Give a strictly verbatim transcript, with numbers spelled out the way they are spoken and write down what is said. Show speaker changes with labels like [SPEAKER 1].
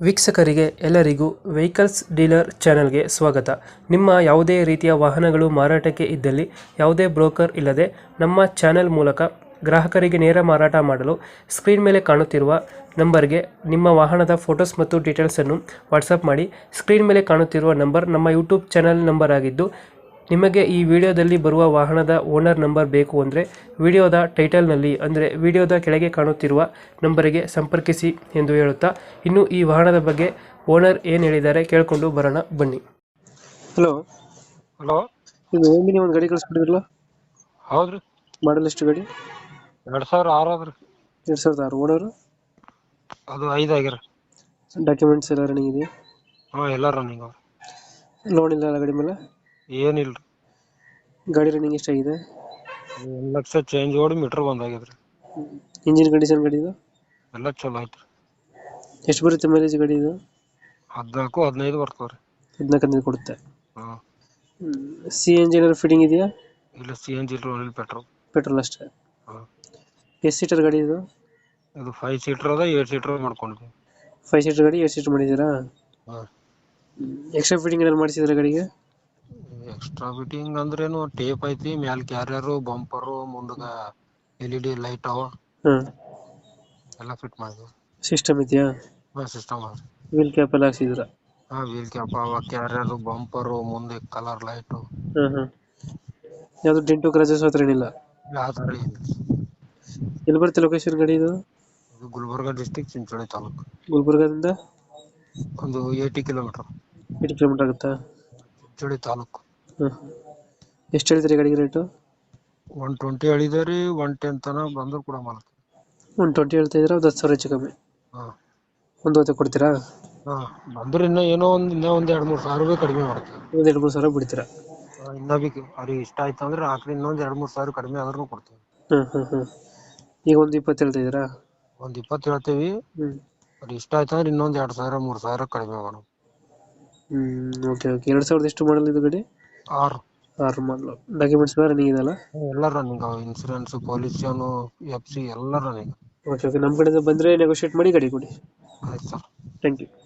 [SPEAKER 1] ವೀಕ್ಷಕರಿಗೆ ಎಲ್ಲರಿಗೂ vehicles dealer ಚಾನೆಲ್ಗೆ ಸ್ವಾಗತ. ನಿಮ್ಮ ಯಾವುದೇ ರೀತಿಯ ವಾಹನಗಳು ಮಾರಾಟಕ್ಕೆ ಇದ್ದಲ್ಲಿ ಯಾವುದೇ ಬ್ರೋಕರ್ ಇಲ್ಲದೆ ನಮ್ಮ ಚಾನೆಲ್ ಮೂಲಕ ಗ್ರಾಹಕರಿಗೆ ನೇರ ಮಾರಾಟ ಮಾಡಲು ಸ್ಕ್ರೀನ್ ಮೇಲೆ ಕಾಣುತ್ತಿರುವ ನಂಬರ್ಗೆ ನಿಮ್ಮ ವಾಹನದ ಫೋಟೋಸ್ ಮತ್ತು ಡೀಟೇಲ್ಸನ್ನು ವಾಟ್ಸಪ್ ಮಾಡಿ. ಸ್ಕ್ರೀನ್ ಮೇಲೆ ಕಾಣುತ್ತಿರುವ ನಂಬರ್ ನಮ್ಮ ಯೂಟ್ಯೂಬ್ ಚಾನೆಲ್ ನಂಬರ್ ಆಗಿದ್ದು, ನಿಮಗೆ ಈ ವಿಡಿಯೋದಲ್ಲಿ ಬರುವ ವಾಹನದ ಓನರ್ ನಂಬರ್ ಬೇಕು ಅಂದರೆ ವಿಡಿಯೋದ ಟೈಟಲ್ನಲ್ಲಿ ಅಂದರೆ ವಿಡಿಯೋದ ಕೆಳಗೆ ಕಾಣುತ್ತಿರುವ ನಂಬರಿಗೆ ಸಂಪರ್ಕಿಸಿ ಎಂದು ಹೇಳುತ್ತಾ, ಇನ್ನು ಈ ವಾಹನದ ಬಗ್ಗೆ ಓನರ್ ಏನು ಹೇಳಿದ್ದಾರೆ ಕೇಳಿಕೊಂಡು ಬರೋಣ ಬನ್ನಿ. ಹಲೋ
[SPEAKER 2] ಹಲೋ,
[SPEAKER 1] ಇದು ಓಮಿನಿ ಒಂದು ಗಾಡಿ ಕಳಿಸ್ಬಿಟ್ಟಿದ್ರಲ್ಲ,
[SPEAKER 2] ಹೌದ್ರಿ.
[SPEAKER 1] ಮಾಡಲ್ ಎಷ್ಟು ಗಾಡಿ?
[SPEAKER 2] ಎರಡ್ ಸಾವಿರ ಆರು ಅದ್ರಿ.
[SPEAKER 1] ಎರಡು ಸಾವಿರದ ಆರು. ಓನರು
[SPEAKER 2] ಅದು ಐದು ಆಗ್ಯಾರ.
[SPEAKER 1] ಡಾಕ್ಯುಮೆಂಟ್ಸ್ ಎಲ್ಲ ರನ್ನಿಂಗ್ ಇದೆಯಾ?
[SPEAKER 2] ಹಾ, ಎಲ್ಲ ರನ್ನಿಂಗ್ ಅವ್ರಿ.
[SPEAKER 1] ಲೋನ್ ಇಲ್ಲ ಅಲ್ಲ ಗಾಡಿ ಮೇಲೆ?
[SPEAKER 2] ಏನಿಲ್ರಿ.
[SPEAKER 1] ಗಾಡಿ ರನ್ನಿಂಗ್ ಎಷ್ಟಾಗಿದೆ?
[SPEAKER 2] ಒಂದ್ ಲಕ್ಷ ಚೇಂಜ್ ಓಡಿ ಮೀಟರ್ ಬಂದ್ ಆಗ್ಯದ್ರಿ.
[SPEAKER 1] ಇಂಜಿನ್ ಕಂಡೀಷನ್ ಗಾಡಿ ಇದು?
[SPEAKER 2] ಎಲ್ಲ ಚಲೋ ಐತ್ರಿ.
[SPEAKER 1] ಎಷ್ಟು ಬರುತ್ತೆ ಮೈಲೇಜ್ ಗಾಡಿ ಇದು?
[SPEAKER 2] ಹದ್ನಾಲ್ಕು ಹದಿನೈದು ಬರ್ತವ್ರಿ.
[SPEAKER 1] ಹದಿನಾಲ್ಕು ಹದಿನೈದು ಕೊಡುತ್ತೆ.
[SPEAKER 2] ಹಾ,
[SPEAKER 1] ಸಿ ಎನ್ ಜಿ ಏನಾದ್ರು ಫಿಟ್ಟಿಂಗ್ ಇದೆಯಾ?
[SPEAKER 2] ಇಲ್ಲ ಸಿ ಎನ್ ಜಿ ಇಲ್ರಿ, ಪೆಟ್ರೋಲ್.
[SPEAKER 1] ಪೆಟ್ರೋಲ್ ಅಷ್ಟೇ.
[SPEAKER 2] ಹಾ,
[SPEAKER 1] ಎಷ್ಟು ಸೀಟರ್ ಗಾಡಿ ಇದು?
[SPEAKER 2] ಇದು ಫೈವ್ ಸೀಟರ್ ಅದ, ಏಟ್ ಸೀಟರ್ ಮಾಡ್ಕೊಂಡ್ವಿ.
[SPEAKER 1] ಫೈವ್ ಸೀಟರ್ ಗಾಡಿ ಏಟ್ ಸೀಟರ್ ಮಾಡಿದ್ದೀರಾ?
[SPEAKER 2] ಹಾ,
[SPEAKER 1] ಎಕ್ಸ್ಟ್ರಾ ಫಿಟ್ಟಿಂಗ್ ಏನಾದ್ರು ಮಾಡಿಸಿದ್ರೆ ಗಾಡಿಗೆ?
[SPEAKER 2] ಎಕ್ಸ್ಟ್ರಾ ಫಿಟ್ಟಿಂಗ್ ಅಂದ್ರೇನು, ಟೇಪ್ ಐತಿ, ಮ್ಯಾಲ್ ಕ್ಯಾರಿಯರು, ಬಂಪರು, ಮುಂದಗ ಎಲ್ ಇ ಡಿ ಲೈಟ್ ಅವ,
[SPEAKER 1] ಹಾಂ.
[SPEAKER 2] ಎಲ್ಲ ಫಿಟ್ ಮಾಡಿದ್ವಿ.
[SPEAKER 1] ಸಿಸ್ಟಮ್ ಇದೆಯಾ?
[SPEAKER 2] ಹಾ, ಸಿಸ್ಟಮ್ ಅದ.
[SPEAKER 1] ವೀಲ್ ಕ್ಯಾಪ್ ಎಲ್ಲ ಹಾಕ್ಸಿದ್ರ?
[SPEAKER 2] ಹಾ, ವೀಲ್ ಕ್ಯಾಪ್ ಅವ, ಕ್ಯಾರಿಯರು, ಬಂಪರು, ಮುಂದೆ ಕಲರ್ ಲೈಟು.
[SPEAKER 1] ಹಾಂ ಹಾಂ. ಯಾವುದು ಡೆಂಟು ಕ್ರಾಚಸ್ ಹತ್ರ ಏನಿಲ್ಲ?
[SPEAKER 2] ಯಾವ ತರ ಇಲ್ಲ.
[SPEAKER 1] ಎಲ್ಲಿ ಬರುತ್ತೆ ಲೊಕೇಶನ್ ಗಾಡಿ ಇದು?
[SPEAKER 2] ಇದು ಗುಲ್ಬರ್ಗ ಡಿಸ್ಟಿಕ್, ಚಿಂಚೋಳಿ ತಾಲೂಕು.
[SPEAKER 1] ಗುಲ್ಬರ್ಗದಿಂದ
[SPEAKER 2] ಒಂದು ಏಯ್ಟಿ ಕಿಲೋಮೀಟರ್.
[SPEAKER 1] ಎಂಟು ಕಿಲೋಮೀಟರ್ ಆಗುತ್ತಾ?
[SPEAKER 2] ಚಿಂಚೋಳಿ ತಾಲೂಕು.
[SPEAKER 1] ಹಾಂ. ಎಷ್ಟು ಹೇಳ್ತೀರಿ ಗಾಡಿಗೆ ರೇಟು?
[SPEAKER 2] ಒನ್ ಟ್ವೆಂಟಿ ಹೇಳಿದೇರಿ, ಒನ್ ಟೆನ್ ತನ ಬಂದ್ರು ಕೂಡ ಮಾಲಕ್.
[SPEAKER 1] ಒನ್ ಟ್ವೆಂಟಿ ಹೇಳ್ತಾ ಇದ್ರೆ ಒಂದು ಹತ್ತು ಸಾವಿರ ಹೆಚ್ಚು ಕಮ್ಮಿ.
[SPEAKER 2] ಹಾ
[SPEAKER 1] ಒಂದು ಹೊತ್ತು ಕೊಡ್ತೀರಾ?
[SPEAKER 2] ಹಾ, ಬಂದ್ರೆ ಇನ್ನ ಏನೋ ಒಂದ್ ಇನ್ನ ಒಂದ್ ಎರಡ್ ಮೂರ್ ಸಾವಿರ ರೂಪಾಯಿ ಕಡಿಮೆ ಮಾಡ್ತೀವಿ.
[SPEAKER 1] ಒಂದು ಎರಡು ಮೂರು ಸಾವಿರ ಬಿಡ್ತೀರಾ?
[SPEAKER 2] ಇನ್ನ ಬಿ ಅವ್ರಿಗೆ ಇಷ್ಟ ಆಯ್ತು ಅಂದ್ರೆ ಆಕ್ರಿ ಇನ್ನೊಂದ್ ಎರಡ್ ಮೂರ್ ಸಾವಿರ ಕಡಿಮೆ ಆದ್ರೂ ಕೊಡ್ತೀವಿ.
[SPEAKER 1] ಹಾಂ ಹಾಂ ಹಾಂ. ಈಗ ಒಂದು ಇಪ್ಪತ್ತು ಹೇಳ್ತಾ ಇದ್ದೀರಾ?
[SPEAKER 2] ಒಂದ್ ಇಪ್ಪತ್ತು ಹೇಳ್ತೇವಿ.
[SPEAKER 1] ಹ್ಮ್
[SPEAKER 2] ಅವ್ರಿಗೆ ಇಷ್ಟ ಆಯ್ತು ಅಂದ್ರೆ ಇನ್ನೊಂದ್ ಎರಡ್ ಸಾವಿರ ಮೂರ್ ಸಾವಿರ ಕಡಿಮೆ ಮಾಡೋಣ.
[SPEAKER 1] Hmm okay okay. ಎರಡು ಸಾವಿರದ ಎಷ್ಟು ಮಾಡಲ್ ಇದು ಗಾಡಿ?
[SPEAKER 2] ಆರು.
[SPEAKER 1] ಆರು ಮಾಡಲು. ಡಾಕ್ಯುಮೆಂಟ್ಸ್ ಎಲ್ಲ ರನ್ನಿಂಗ್ ಇದೆಯಲ್ಲ?
[SPEAKER 2] ಎಲ್ಲ ರನ್ನಿಂಗ್ ಅವ, ಇನ್ಸೂರೆನ್ಸ್, ಪೊಲ್ಯೂಷನ್, ಎಫ್ ಸಿ ಎಲ್ಲ ರನ್ನಿಂಗ್.
[SPEAKER 1] Okay okay. ನಮ್ಮ ಕಡೆಯಿಂದ ಬಂದರೆ ನೆಗೋಷಿಯೇಟ್ ಮಾಡಿ ಗಾಡಿ ಕೊಡಿ.
[SPEAKER 2] ಆಯ್ತು ಸರ್.
[SPEAKER 1] Thank you.